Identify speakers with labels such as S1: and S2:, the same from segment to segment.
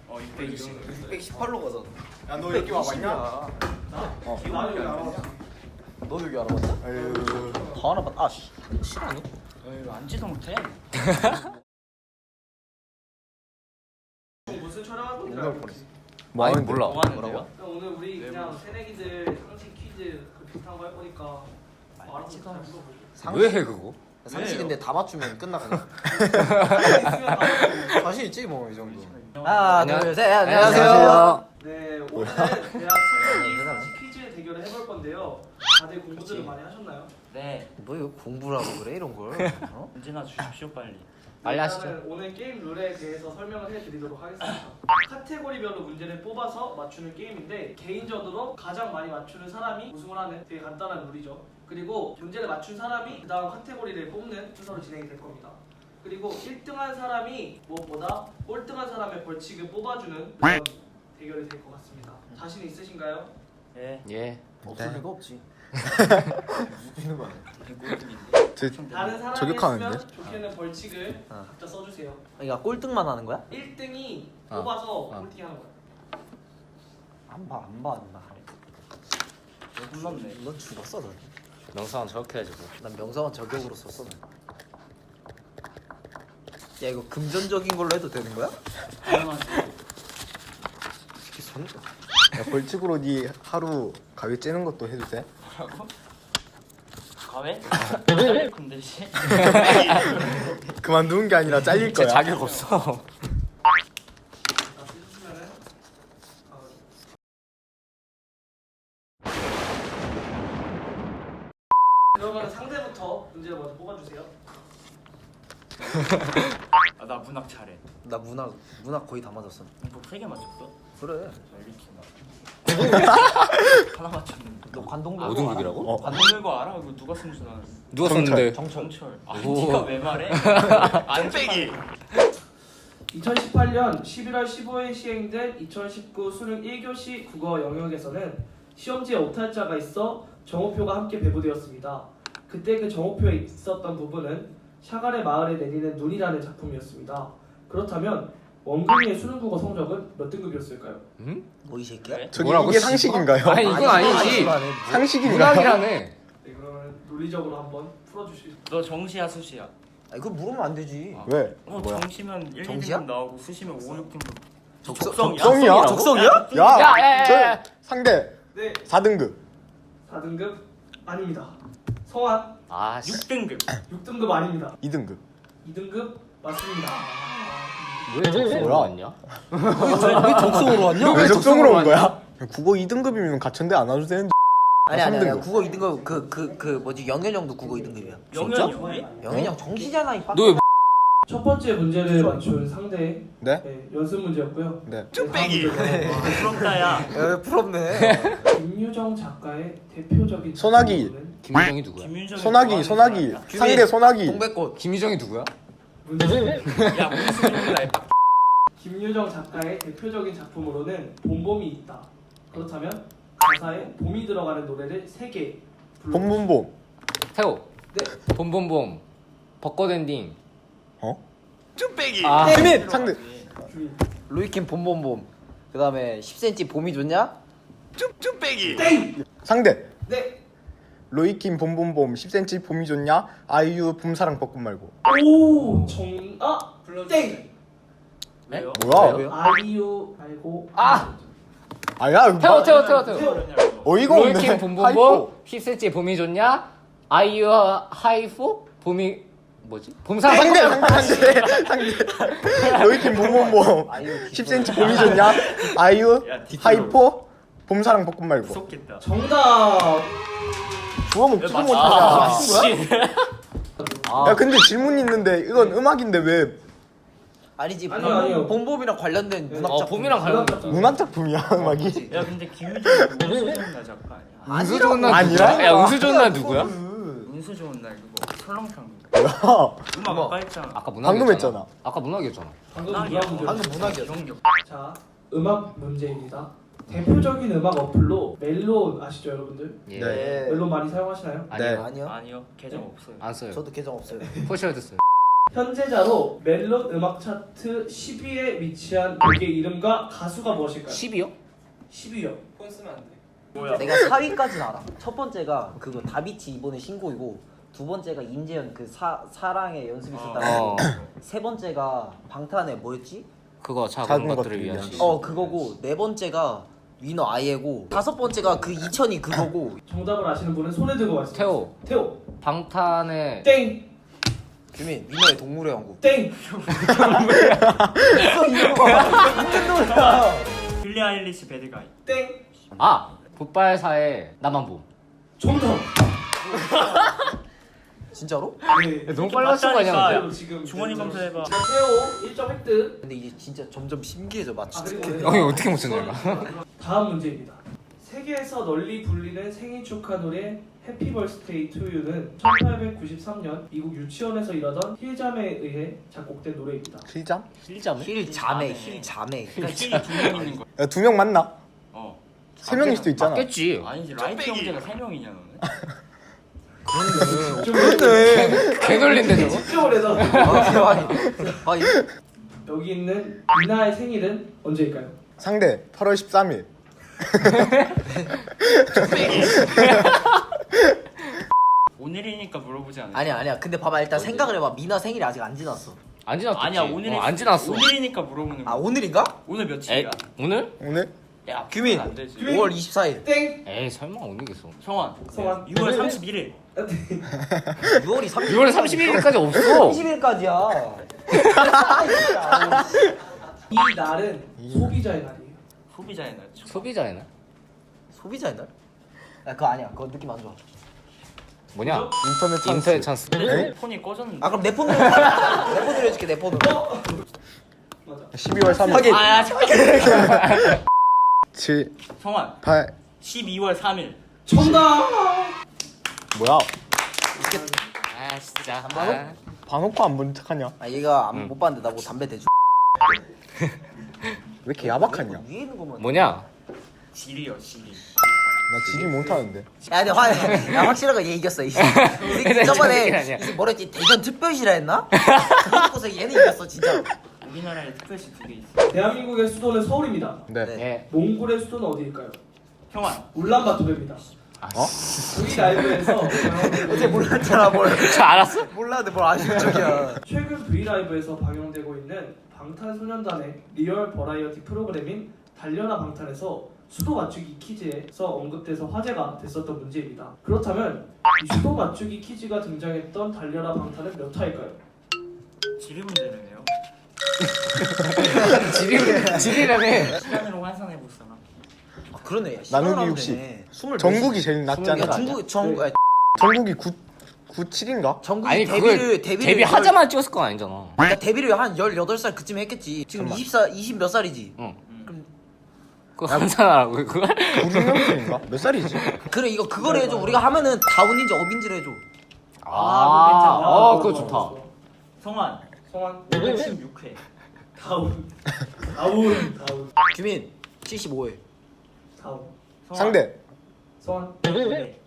S1: 618로 가잖아.
S2: 야, 너 여기 와봤냐?
S1: 나 여기 알아봤어. 너도 여기 알아봤어?
S2: 에휴.
S1: 다 알아봤. 아 씨. 싫어하니?
S3: 이거 앉지도 못해.
S4: 무슨 촬영할 건지
S2: 이걸
S4: 알고
S2: 보냈어.
S4: 있지?
S2: 뭐
S1: 아니,
S2: 하는데?
S1: 몰라.
S3: 뭐 하는데요?
S4: 그럼 오늘 우리 그냥 새내기들 상식 퀴즈 그 비슷한 거 할 거니까 알아서 잘 물어보죠.
S5: 왜 해 그거?
S1: 상식인데 다 맞추면 끝나 그냥.
S4: 있으면 다
S1: 자신 있지 뭐 이 정도.
S5: 하나,
S1: 둘, 셋.
S5: 안녕하세요.
S4: 네, 오늘은 대학 새내기 상식 퀴즈 대결을 해볼 건데요. 다들 공부들을 많이 하셨나요?
S3: 네.
S1: 뭐 이거 공부라고 그래 이런 걸? 어?
S3: 문제나 주십시오 빨리.
S5: 빨리 하시죠.
S4: 일단은 오늘 게임 룰에 대해서 설명을 해드리도록 하겠습니다. 카테고리별로 문제를 뽑아서 맞추는 게임인데 개인적으로 가장 많이 맞추는 사람이 우승을 하는 되게 간단한 룰이죠. 그리고 문제를 맞춘 사람이 그 다음 카테고리를 뽑는 순서로 진행이 될 겁니다. 그리고 1등한 사람이 무엇보다 꼴등한 사람의 벌칙을 뽑아주는 그런 대결이 될 것 같습니다. 자신 있으신가요?
S3: 네.
S5: 예.
S1: 없을 리가 없지. 누구 거 아니야?
S4: 다른 사람이
S2: 저격하는데?
S4: 했으면 좋게는 벌칙을 각자 써주세요.
S1: 그러니까 꼴등만 하는 거야?
S4: 1등이 뽑아서 꼴등이 하는 거야.
S1: 안 봐.
S3: 너 혼났네.
S1: 넌 죽었어 넌.
S5: 명상은 저렇게 해야지 뭐.
S1: 난 명성은 저격으로 썼어. 넌. 야 이거 금전적인 걸로 해도 되는 거야?
S3: 당연하지.
S1: 특히 손.
S2: 야, 벌칙으로 니 하루 가위 째는 것도 해도 돼?
S3: 뭐라고? 과외? 근데 씨.
S2: 그만두는 게 아니라 잘릴
S5: 제
S2: 거야.
S5: 자격 없어.
S4: 다 쓰셨으면은 그러면 상대부터 문제를 먼저 뽑아주세요.
S3: 아, 나 문학 잘해.
S1: 나 문학 거의 다 맞았어.
S3: 이거 3개 맞췄어?
S1: 그래.
S3: 이렇게 하나 맞췄는데.
S1: 너 관동도
S5: 5등급이라고?
S2: 어.
S3: 관동 거 알아? 이거 누가 쓴 줄 알았어?
S5: 누가 썼는데?
S3: 정철. 아,
S5: 오.
S3: 네가 왜 말해? 안 빼기.
S4: 2018년 11월 15일 시행된 2019 수능 1교시 국어 영역에서는 시험지에 오탈자가 있어 정오표가 함께 배부되었습니다. 그때 그 정오표에 있었던 부분은 샤갈의 마을에 내리는 눈이라는 작품이었습니다. 그렇다면 원근이의 수능 국어 성적은 몇 등급이었을까요?
S1: 뭐 이 새끼야?
S3: 왜?
S2: 저기
S5: 뭐라고,
S2: 이게
S5: 씨?
S2: 상식인가요?
S5: 아니 이건 아니지.
S2: 상식인가요?
S5: 문학이라네.
S4: 네, 그러면 논리적으로 한번 풀어주시죠.
S3: 너 정시야 수시야?
S1: 아니 그걸 물으면 안 되지.
S2: 왜?
S3: 뭐야? 정시면 1,
S1: 정시야?
S3: 2등급 나오고 수시면 5, 6등급.
S1: 적성이야?
S2: 적성이야?
S1: 적성이야?
S2: 야,
S5: 야.
S2: 저 상대
S4: 네,
S2: 4등급.
S4: 4등급 아닙니다. 성환
S5: 아 씨.
S3: 6등급.
S4: 6등급 아닙니다.
S2: 2등급.
S4: 2등급 맞습니다.
S5: 왜 적성으로 왔냐?
S1: 왜 적성으로 왔냐?
S2: 왜 적성으로 온 거야? 국어 2등급이면 가천대 안 와도 되는데.
S1: 아니 아니
S2: 3등급.
S1: 국어 2등급 그 뭐지 영현형도 국어 2등급이야.
S3: 영현이 형이?
S1: 영현형 정시잖아 이
S5: 너 왜?
S4: 첫 번째 문제를 맞춘 상대
S2: 네?
S4: 연습 문제였고요.
S2: 네.
S4: 쭈빼기.
S3: 부럽다야.
S1: 야 부럽네.
S4: 김유정 작가의 대표적인
S2: 소나기.
S4: 작품은
S5: 김유정이 누구야?
S3: 김윤정이
S2: 소나기. 상대 소나기.
S1: 동백꽃.
S5: 김유정이 누구야?
S3: 야 문수정이다.
S4: 김유정 작가의 대표적인 작품으로는 봄봄이 있다. 그렇다면 가사에 봄이 들어가는 노래를 3개
S2: 봄봄봄.
S5: 태호.
S4: 네.
S5: 봄봄봄. 벚꽃 엔딩.
S2: 어?
S3: 쭈빼기.
S5: 아.
S2: 태민 상대.
S4: 주인.
S1: 로이킴 봄봄봄. 그다음에 10cm 봄이 좋냐?
S3: 쭈빼기.
S4: 땡!
S2: 상대.
S4: 네.
S2: 로이킴 봄봄봄 10cm 봄이 좋냐? 아이유 봄사랑 벚꽃 말고.
S4: 오! 정아! 땡!
S3: 왜요?
S2: 뭐야?
S1: 왜요?
S4: 아이유 말고
S5: 아!
S2: 아야
S5: 태호 태호 태호
S4: 태호.
S5: 태호.
S2: 어이가 없네.
S5: 로이킴 봄봄봄.
S2: 하이포.
S5: 10cm 봄이 좋냐? 아이유 하이포 봄이 뭐지? 봄사랑
S2: 상대. 로이킴 봄봄봄
S1: 아이유
S2: 10cm 봄이 좋냐? 아이유
S3: 야, 뒤집어.
S2: 하이포 봄사랑 벚꽃 말고.
S3: 무섭겠다.
S4: 정답!
S2: 주워 먹지도
S3: 아,
S2: 못하냐?
S3: 씨.
S2: 야 근데 질문 있는데 이건 음악인데 왜
S1: 아니지
S4: 아니요, 아니요.
S1: 봄봄이랑 관련된 문학 작품.
S5: 봄이랑 관련.
S2: 문학 작품이야 음악이?
S3: 야 근데 김윤정이 운수 좋은 날 작가 아니야?
S5: 운수 좋은 날
S2: 아니라?
S5: 누구야? 야 운수 좋은 날 누구야?
S3: 운수 좋은 날 그거 설렁탕.
S2: 뭐야?
S3: 음악 아까 했잖아.
S5: 아까 문학이었잖아.
S2: 방금 했잖아.
S5: 아까 문학이었잖아.
S4: 방금
S3: 문학이야.
S4: 문학 문제.
S1: 방금 문학이었어.
S3: 이런 게
S4: 자, 음악 문제입니다. 대표적인 음악 어플로 멜론 아시죠, 여러분들?
S5: 예.
S2: 네.
S4: 멜론 많이 사용하시나요?
S5: 아니요.
S1: 아니요.
S3: 아니요 계정 없어요.
S5: 안 써요.
S1: 저도 계정 없어요.
S5: 포시라드 써요.
S4: 현재자로 멜론 음악 차트 10위에 위치한 곡의 이름과 가수가 무엇일까요?
S5: 10이요?
S4: 10위요.
S1: 폰 쓰면 안 돼.
S3: 뭐야?
S6: 내가 4위까지는 알아. 첫 번째가 그거 다비치 이번에 신곡이고, 두 번째가 임재현 그 사랑의 연습이 있었다고. 세 번째가 방탄의 뭐였지?
S5: 그거 작은
S2: 작은
S5: 것들을
S2: 것들을
S5: 위한
S2: 위한
S5: 시.
S6: 그거고, 네 번째가 위너 아이에고, 다섯 번째가 그 2000이 그거고.
S4: 정답을 아시는 분은 손에 들고 말씀해주세요.
S5: 태호.
S4: 태호.
S5: 방탄의
S4: 땡.
S6: 규민, 위너의 동물의 왕국.
S4: 땡.
S3: 빌리 아일리시 배드가이.
S4: 땡.
S5: 굿발사의 나만 봄.
S4: 정답.
S6: 진짜로?
S4: 네.
S5: 너무 빨랐을 거 아니야?
S4: 태호 지금
S3: 주머니 검사해봐.
S4: 자, 태호 1점 획득.
S6: 근데 이게 진짜 점점 신기해져 맞추는 게.
S4: 그리고
S5: 형이 어떻게 못 찾냐?
S4: 다음 문제입니다. 세계에서 널리 불리는 생일 축하 노래 해피 벌스데이 투 유는 1893년 미국 유치원에서 일하던 힐잠에 의해 작곡된 노래입니다.
S2: 실장?
S5: 실자매?
S6: 힐 자매, 힐 자매.
S3: 그러니까 힐이 2명 있는 거야.
S2: 야, 2명 맞나?
S3: 어.
S2: 3명일 수도 있잖아.
S5: 맞겠지.
S3: 아니지 라이트 형제가 3명이냐 너는?
S2: 그렇네.
S5: 개놀린데 저거?
S4: 집중을 해서
S6: 아니,
S4: 여기 있는 미나의 생일은 언제일까요?
S2: 상대 8월 13일.
S3: 오늘이니까 물어보지 않았어.
S6: 아니야. 근데 봐봐, 일단 생각을 해봐. 미나 생일이 아직 안 지났어.
S5: 안 지났지.
S3: 아니야 오늘이
S5: 안 지났어.
S3: 오늘이니까 물어보는 거야.
S6: 아, 오늘인가?
S3: 오늘
S5: 에
S3: 며칠이야?
S5: 오늘?
S2: 오늘?
S3: 야
S6: 규민.
S3: 안 되지.
S6: 5월 24일.
S4: 땡!
S5: 에이 설마 오늘겠어.
S3: 성환.
S4: 성환.
S3: 6월 31일.
S6: 6월이 30일.
S5: 6월 31일까지 없어.
S6: 30일까지야.
S4: 이 날은 소비자의 날이에요.
S3: 소비자의 날죠.
S5: 소비자의 날?
S6: 소비자의 날? 야, 그거 아니야. 그거 느낌 안 좋아.
S5: 뭐냐?
S2: 인터넷 찬스.
S5: 인터넷 찬스.
S3: 내 폰이 꺼졌는데.
S6: 아, 그럼 내 폰으로 내 폰으로 해줄게. 내 폰으로.
S4: 맞아.
S2: 12월 3일.
S6: 하긴.
S3: 아야 잠깐.
S2: 7,
S3: 성환.
S2: 8.
S3: 12월 3일.
S4: 정답!
S2: 뭐야?
S5: 아 진짜.
S2: 반옥화 안 본 척하냐?
S6: 아, 얘가 못 봤는데 나 뭐 담배 대주.
S2: 왜 이렇게 야박하냐? 나
S6: 위에 있는 거만.
S5: 뭐냐?
S3: 지리요 지리.
S2: 지리 못하는데.
S6: 야, 근데 야, 확실하게 얘 이겼어. 이 새끼
S5: 그래,
S6: 저번에
S5: 아니야.
S6: 이 새끼 뭐랬지? 대전 특별시라 했나? 그거 듣고서 얘는 이겼어, 진짜.
S3: 우리나라에 특별시 2개 있어.
S4: 대한민국의 수도는 서울입니다.
S2: 네.
S6: 네.
S5: 예.
S4: 몽골의 수도는 어디일까요?
S3: 형환.
S4: 울란바토르입니다.
S2: 어?
S4: V 라이브에서
S6: 어제 몰랐잖아, 뭘.
S5: 저 알았어?
S6: 몰랐는데 뭘 아쉬운 척이야.
S4: 최근 V 라이브에서 방영되고 있는 방탄소년단의 리얼 버라이어티 프로그램인 달려라 방탄에서 수도 맞추기 퀴즈에서 언급돼서 화제가 됐었던 문제입니다. 그렇다면 이 수도 맞추기 퀴즈가 등장했던 달려라 방탄은 몇 화일까요?
S3: 지리 문제네요.
S5: 지리라며.
S3: 시간으로 환산해 볼 사람.
S6: 아, 그러네. 야,
S2: 나누기
S6: 시간을
S2: 60.
S6: 하면 되네.
S2: 전국이 제일 낮잖아.
S6: 야, 전국이
S2: 전국이 97인가?
S6: 전국이
S5: 아니 그걸 데뷔하자마자 찍었을 건 아니잖아.
S6: 그러니까 데뷔를 한 18살 그쯤에 했겠지. 지금 20 몇 살이지.
S5: 응. 그거 환산하라고 그걸?
S2: 96년생인가? 몇 살이지?
S6: 그래, 이거 그거를 해줘. 우리가 하면은 다운인지 업인지를 해줘.
S5: 그거 좋다.
S3: 성환.
S4: 성환
S3: 516회.
S4: 다운.
S6: 규민 75회.
S4: 다운.
S2: 상대.
S4: 성환
S3: 네.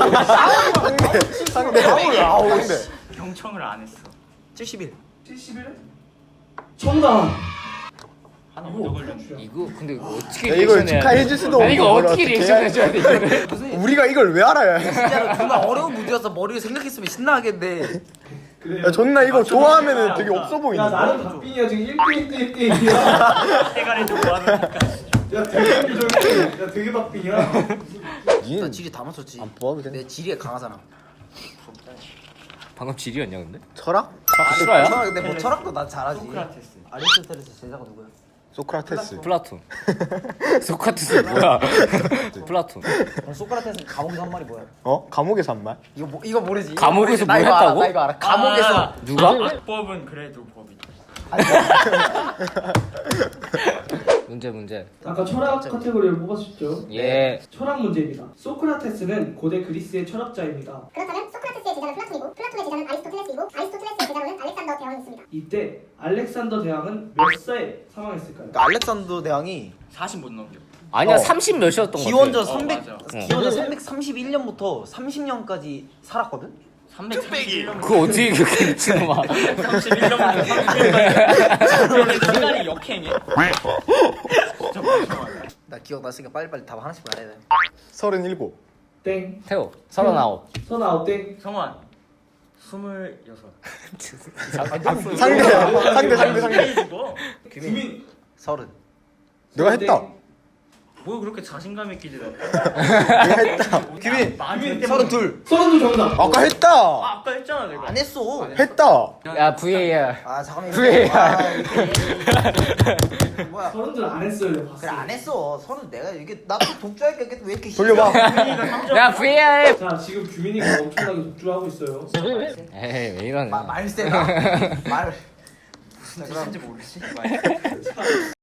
S2: 상대. 상대.
S3: 경청을 안 했어.
S6: 71.
S4: 71? 정답.
S3: 하나 먼저 걸렸네.
S5: 이거 근데 이거 어떻게
S2: 야, 이걸
S5: 리액션해야
S2: 축하해줄
S5: 돼?
S2: 수도
S5: 아니 이거
S2: 없고
S5: 어떻게
S2: 뭘
S5: 리액션
S2: 어떻게
S5: 해줘야 돼 이거를?
S2: 우리가 이걸 왜 알아야 해?
S6: 진짜로 정말 어려운 문제였어. 머리를 생각했으면 신나겠는데.
S4: 그래요.
S2: 야, 존나 이거 좋아하면은 되게 없어
S4: 야
S2: 보이는데.
S4: 나는 박빙이야 지금 1대1대1대1이야.
S3: 대가리 좀 모아놓으니까.
S4: 야 되게 비정해. 야 되게 박빙이야.
S6: 나
S2: 니는
S6: 지리 다 맞췄지.
S2: 안 뽑아도 돼.
S6: 내 지리에 강하잖아.
S5: 방금 지리였냐 근데?
S2: 철학?
S5: 실화야?
S6: 근데 뭐 철학도 난 잘하지.
S3: 소크라테스.
S6: 아리스토텔레스 제자가 누구야?
S2: 소크라테스.
S5: 플라톤. 소크라테스 뭐야? 플라톤.
S6: 그럼 소크라테스는 감옥에서 한 말이 뭐야?
S2: 어? 감옥에서 한 말?
S6: 이거 모르지. 이거
S5: 감옥에서
S6: 모르지. 나
S5: 뭘
S6: 이거 알아,
S5: 했다고?
S6: 나 이거 알아. 감옥에서
S5: 누가?
S3: 법은 그래도 법이다.
S5: 문제.
S4: 아까 철학 카테고리를 뽑았었죠.
S5: 예.
S4: 철학 문제입니다. 소크라테스는 고대 그리스의 철학자입니다.
S7: 그렇다면 소크라테스의 제자는 플라톤이고 플라톤의 제자는 아리스토텔레스이고 아리스토텔레스의 제자로는 알렉산더 대왕이 있습니다.
S4: 이때 알렉산더 대왕은 몇 살에 사망했을까요?
S6: 그러니까 알렉산더 대왕이
S3: 40 못 넘겨.
S5: 아니야 30 몇이었던 거
S6: 기원전
S5: 같아.
S6: 300
S3: 맞아.
S6: 기원전 331년부터 30년까지 살았거든.
S3: 331년.
S5: 그거 어떻게 그렇게 미친놈아.
S3: 31년부터 31년까지. 시간이 역행해.
S6: 나 기억났으니까 빨리빨리 답 하나씩 말해야 돼.
S2: 37.
S4: 땡.
S5: 태호 39.
S4: 선아 땡.
S3: 성환 26.
S2: 상대.
S3: 이거
S4: 규민.
S6: 30.
S2: 내가 했다.
S3: 뭐 그렇게 자신감 있게 지내?
S2: 내가 했다.
S6: 규민.
S3: 많이
S6: 32.
S4: 선우 정답.
S2: 아까 했다.
S3: 아까 했잖아 내가.
S6: 안 했어.
S2: 했다.
S5: 야 VAR.
S6: 아 잠깐만.
S5: VAR.
S6: 뭐야?
S4: 서른들 안 했어요. 내가 봤어.
S6: 그래 안 했어. 서른 내가 이게 나도 독주할게 왜 이렇게
S2: 돌려봐.
S5: 야 VAR.
S4: 자 지금 규민이가 엄청나게 독주하고 있어요.
S5: 에이 왜 이러네.
S6: 말세다. 말.
S3: 무슨 뜻인지 모르지.